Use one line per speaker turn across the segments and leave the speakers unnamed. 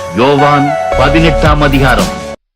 யோவான் 18ஆம் அதிகாரம்.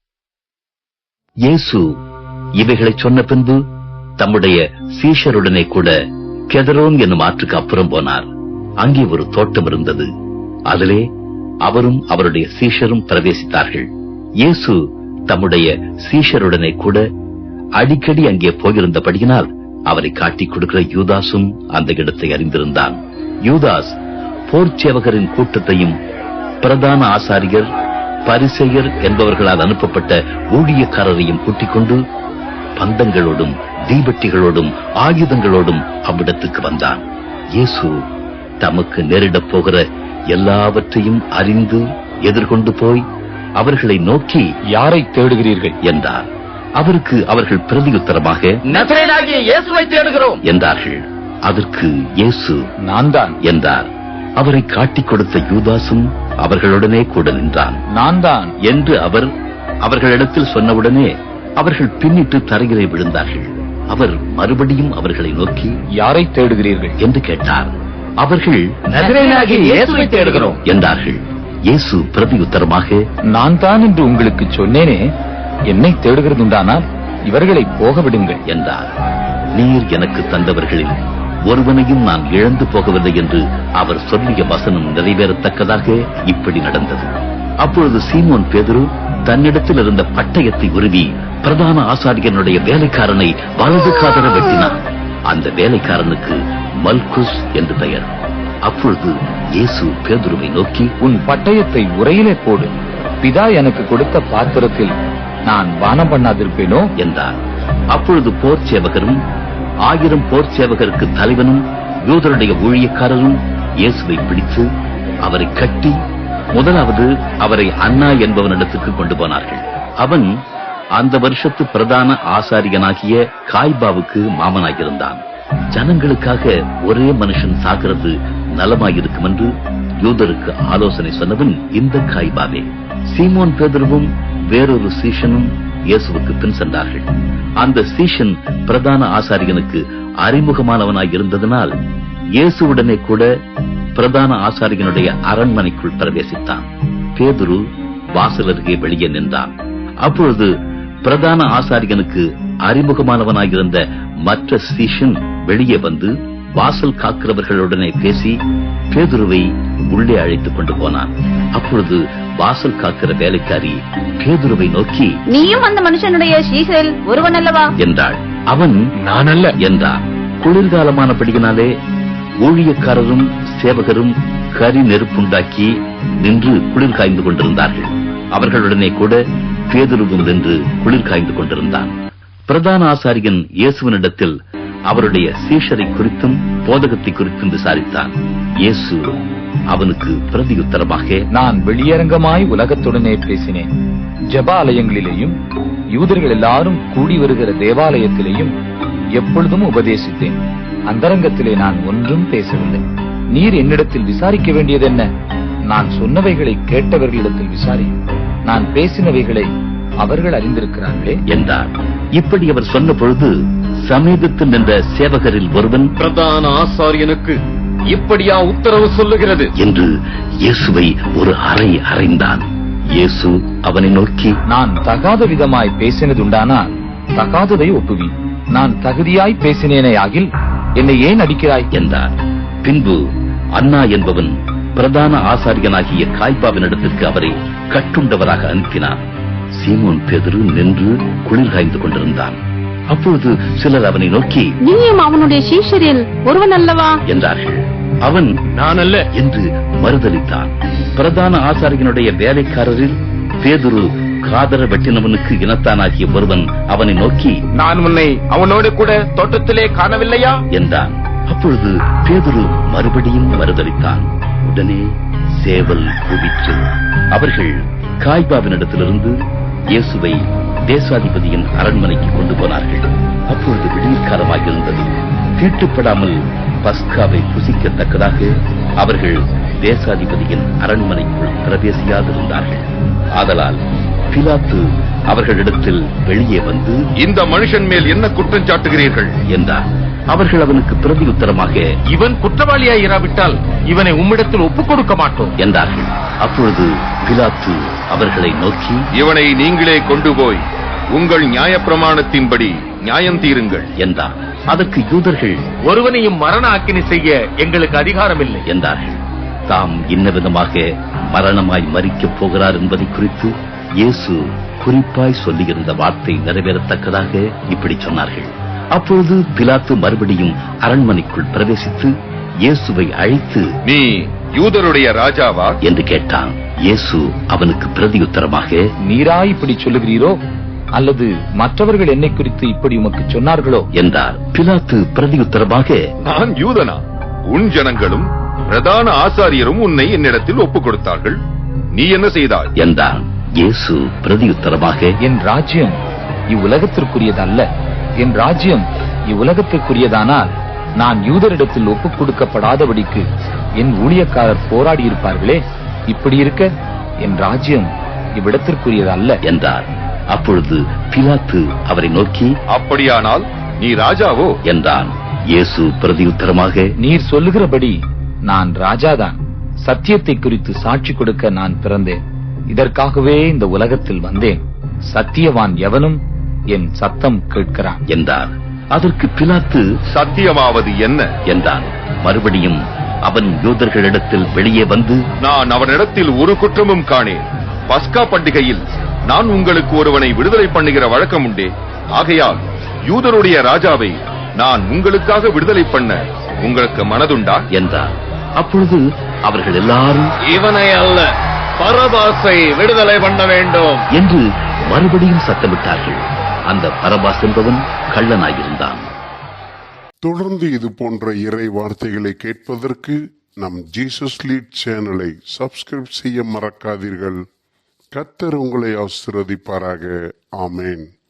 இயேசு இவைகளை சொன்ன பின்பு தம்முடைய சீஷருடனே கூட கெதரோன் என்னும் ஆற்றுக்கு அப்புறம் போனார். அங்கே ஒரு தோட்டம் இருந்தது. அதிலே அவரும் அவருடைய சீஷரும் பிரவேசித்தார்கள். இயேசு தம்முடைய சீஷருடனே கூட அடிக்கடி அங்கே போயிருந்தபடியினால் அவரை காட்டிக் கொடுக்கிற யூதாசும் அந்த இடத்தை அறிந்திருந்தான். யூதாஸ் போர்ச்சேவகரின் கூட்டத்தையும் பிரதான ஆசாரியர் பரிசேயர் என்பவர்களால் அனுப்பப்பட்ட ஊழியக்காரரையும் கூட்டிக் கொண்டு பந்தங்களோடும் தீபட்டிகளோடும் ஆயுதங்களோடும் அவ்விடத்துக்கு வந்தான். இயேசு தமக்கு நேரிடப் போகிற எல்லாவற்றையும் அறிந்து எதிர்கொண்டு போய் அவர்களை நோக்கி,
யாரை தேடுகிறீர்கள்
என்றார். அவருக்கு அவர்கள் பிரதியுத்தரமாக,
நசரேயனாகிய இயேசுவை தேடுகிறோம்
என்றார்கள். அதற்கு இயேசு,
நான் தான்
என்றார். அவரை காட்டிக் கொடுத்த யூதாசும் அவர்களுடனே கூட நின்றான்.
நான் தான்
என்று அவர் அவர்களிடத்தில் சொன்னவுடனே அவர்கள் பின்னிட்டு தரையிலே விழுந்தார்கள். அவர் மறுபடியும் அவர்களை நோக்கி,
யாரை தேடுகிறீர்கள்
என்று கேட்டார். அவர்கள்
நசரேயனாகிய இயேசுவை தேடுகிறோம்
என்றார்கள். இயேசு பிரதியுத்தரமாக,
நான் தான் என்று உங்களுக்கு சொன்னேனே, என்னை தேடுகிறதுண்டானால் இவர்களை போக விடுங்கள்
என்றார். நீர் எனக்கு தந்தவர்களில் ஒருவனையும் நான் இழந்து போகவில்லை என்று அவர் சொல்லிய வசனம் நிறைவேறத்தக்கதாக இப்படி நடந்தது. அப்பொழுது சீமோன் பேதுரு தன்னிடத்தில் இருந்த பட்டயத்தை உருவி பிரதான ஆசாரியனுடைய வேலைக்காரனை வலது காதர வெட்டினான். அந்த வேலைக்காரனுக்கு மல்குஸ் என்று பெயர். அப்பொழுது இயேசு பேதுருவை நோக்கி,
உன் பட்டயத்தை உரையிலே போடு. பிதா எனக்கு கொடுத்த பாத்திரத்தில் நான் பானம் பண்ணாதிருப்பேனோ
என்றார். அப்பொழுது போர் சேவகரும் 1000 போர் சேவகருக்கு தலைவனும் யூதருடைய ஊழியக்காரரும் இயேசுவை பிடித்து அவரை கட்டி முதலாவது அவரை அன்னா என்பவனிடத்துக்கு கொண்டு போனார்கள். அவன் அந்த வருஷத்து பிரதான ஆசாரியனாகிய காய்பாவுக்கு மாமனாயிருந்தான். ஜனங்களுக்காக ஒரே மனுஷன் சாகிறது நலமாயிருக்கும் என்று யூதருக்கு ஆலோசனை சொன்னவன் இந்த காய்பாவே. சீமோன் பேதுருவும் வேறொரு சீஷனும் இயேசுவுக்கு பின் சென்றார்கள். அந்த சீஷன் பிரதான ஆசாரியனுக்கு அறிமுகமானவனாய் இருந்ததனால் இயேசுவுடனே கூட பிரதான ஆசாரியனுடைய அரண்மனைக்குள் பிரவேசித்தான். பேதுரு வாசல் அருகே வெளியே நின்றான். அப்பொழுது பிரதான ஆசாரியனுக்கு அறிமுகமானவனாயிருந்த மற்ற சீஷன் வெளியே வந்து வாசல் காக்கிறவர்களுடனே பேசி பேதுருவை உள்ளே அழைத்துக் கொண்டு போனான். அப்பொழுது வாசல் காக்கிற வேலைக்காரி பேதுருவை நோக்கி,
நீயும் அந்த மனுஷனுடைய சீஷரில் ஒருவன் அல்லவா
என்றாள். அவன்,
நான் அல்ல
என்றான். குளிர்காலமானபடியினாலே ஊழியக்காரரும் சேவகரும் கரி நெருப்புண்டாக்கி நின்று குளிர் காய்ந்து கொண்டிருந்தார்கள். அவர்களுடனே கூட பேதுருவும் நின்று குளிர் காய்ந்து கொண்டிருந்தான். பிரதான ஆசாரியன் இயேசுவினிடத்தில் அவருடைய சீஷரை குறித்தும் போதகத்தை குறித்தும் விசாரித்தான். இயேசு அவனுக்கு பிரதியுத்தரமாக,
நான் வெளியரங்கமாய் உலகத்துடனே பேசினேன். ஜெபாலயங்களிலேயும் யூதர்கள் எல்லாரும் கூடி வருகிற தேவாலயத்திலேயும் எப்பொழுதும் உபதேசித்தேன். அந்தரங்கத்திலே நான் ஒன்றும் பேசவில்லை. நீர் என்னிடத்தில் விசாரிக்க வேண்டியது என்ன? நான் சொன்னவைகளை கேட்டவர்களிடத்தில் விசாரியும். நான் பேசினவைகளை அவர்கள் அறிந்திருக்கிறார்களே
என்றார். இப்படி அவர் சொன்ன பொழுது சமீபத்தில் நின்ற சேவகரில் ஒருவன்,
பிரதான ஆசாரியனுக்கு இப்படியா உத்தரவு சொல்லுகிறது
என்று இயேசுவை ஒரு அறை அறைந்தான். இயேசு அவனை நோக்கி,
நான் தகாத விதமாய் பேசினதுண்டானால் தகாததை ஒப்புவி. நான் தகுதியாய் பேசினேனே ஆகில் என்னை ஏன் அடிக்கிறாய்
என்றார். பின்பு அன்னா என்பவன் பிரதான ஆசாரியனாகிய காய்பாவினிடத்திற்கு அவரை கட்டுண்டவராக அனுப்பினான். சீமோன் பேதுரு நின்று குளிர் காய்ந்து கொண்டிருந்தான். அப்பொழுது சிலர் அவனை நோக்கி,
நீயும் அவனுடைய சீஷரில் ஒருவன் அல்லவா
என்றார்கள். அவன்,
நான் அல்ல
என்று மறுதலித்தான். பிரதான ஆசாரியனுடைய வேலைக்காரரில் பேதுரு காதர வெட்டினவனுக்கு இனத்தானாகிய ஒருவன் அவனை நோக்கி,
நான் உன்னை அவனோடு கூட தோட்டத்திலே காணவில்லையா
என்றான். அப்பொழுது பேதுரு மறுபடியும் மறுதலித்தான். உடனே சேவல் கூவிற்று. அவர்கள் காய்பாவினிடத்திலிருந்து இயேசுவை தேசாதிபதியின் அரண்மனைக்கு கொண்டு போனார்கள். அப்பொழுது விடியற்காலமாயிருந்தது. தீட்டுப்படாமல் பஸ்காவை புசிக்கத்தக்கதாக அவர்கள் தேசாதிபதியின் அரண்மனைக்குள் பிரவேசியாதிருந்தார்கள். ஆதலால் பிலாத்து அவர்களிடத்தில் வெளியே வந்து,
இந்த மனுஷன் மேல் என்ன குற்றம் சாட்டுகிறீர்கள்
என்றார். அவர்கள் அவனுக்கு பிரதியுத்தரமாக,
இவன் குற்றவாளியாய் இராவிட்டால் இவனை உம்மிடத்தில் ஒப்புக் கொடுக்க மாட்டோம்
என்றார்கள். அப்பொழுது பிலாத்து அவர்களை நோக்கி,
இவனை நீங்களே கொண்டு போய் உங்கள் நியாயப்பிரமாணத்தின்படி நியாயம் தீருங்கள்
என்றார். அதற்கு யூதர்கள்
ஒருவனையும் மரண அக்கினி செய்ய எங்களுக்கு அதிகாரம் இல்லை
என்றார்கள். தாம் இன்ன விதமாக மரணமாய் மரிக்கப் போகிறார் என்பதை குறித்து இயேசு குறிப்பாய் சொல்லியிருந்த வார்த்தை நிறைவேறத்தக்கதாக இப்படி சொன்னார்கள். அப்பொழுது பிலாத்து மறுபடியும் அரண்மனைக்குள் பிரவேசித்து இயேசுவை அழைத்து,
நீ யூதருடைய ராஜாவா
என்று கேட்டான். இயேசு அவனுக்கு பிரதியுத்தரமாக,
நீரா இப்படி சொல்லுகிறீரோ, அல்லது மற்றவர்கள் என்னை குறித்து இப்படி உமக்கு சொன்னார்களோ
என்றார். பிலாத்து பிரதியுத்தரமாக,
நான் யூதனா? உன் ஜனங்களும் பிரதான ஆசாரியரும் உன்னை என்னிடத்தில் ஒப்புக் கொடுத்தார்கள். நீ என்ன செய்தாய்
என்றான். இயேசு பிரதியுத்தரமாக,
என் ராஜ்யம் இவ்வுலகத்திற்குரியதல்ல. என் ராஜ்யம் இவ்வுலகத்திற்குரியதானால் நான் யூதரிடத்தில் ஒப்புக் கொடுக்கப்படாதபடிக்கு என் ஊழியக்காரர் போராடி இருப்பார்களே. இப்படி இருக்க என் ராஜ்யம் இவ்விடத்திற்குரியதல்ல
என்றார். அப்பொழுது பிலாத்து அவரை நோக்கி,
அப்படியானால் நீ ராஜாவோ
என்றான். இயேசு பிரதியுத்தரமாக,
நீர் சொல்லுகிறபடி நான் ராஜாதான். சத்தியத்தை குறித்து சாட்சி கொடுக்க நான் பிறந்தேன். இதற்காகவே இந்த உலகத்தில் வந்தேன். சத்தியவான் எவனும் என் சத்தம் கேட்கிறான்
என்றார். அதற்கு பிலாத்து,
சத்தியமாவது என்ன
என்றான். மறுபடியும் அவன் யூதர்களிடத்தில் வெளியே வந்து,
நான் அவனிடத்தில் ஒரு குற்றமும் காணேன். பஸ்கா பண்டிகையில் நான் உங்களுக்கு ஒருவனை விடுதலை பண்ணுகிற வழக்கம் உண்டே. ஆகையால் யூதருடைய ராஜாவை நான் உங்களுக்காக விடுதலை பண்ண உங்களுக்கு மனதுண்டா
என்றார். அப்பொழுது அவர்கள் எல்லாரும்
இவனை அல்ல, பரபாசை விடுதலை பண்ண வேண்டும்
என்று மறுபடியும் சத்தமிட்டார்கள். அந்த பரபாஸ் என்பவன் கள்ளனாயிருந்தான்.
தொடர்ந்து இது போன்ற இறை வார்த்தைகளை கேட்பதற்கு நம் ஜீசஸ் லீட் சேனலை சப்ஸ்கிரைப் செய்ய மறக்காதீர்கள். கர்த்தர் உங்களை ஆசீர்வதிப்பாராக. ஆமென்.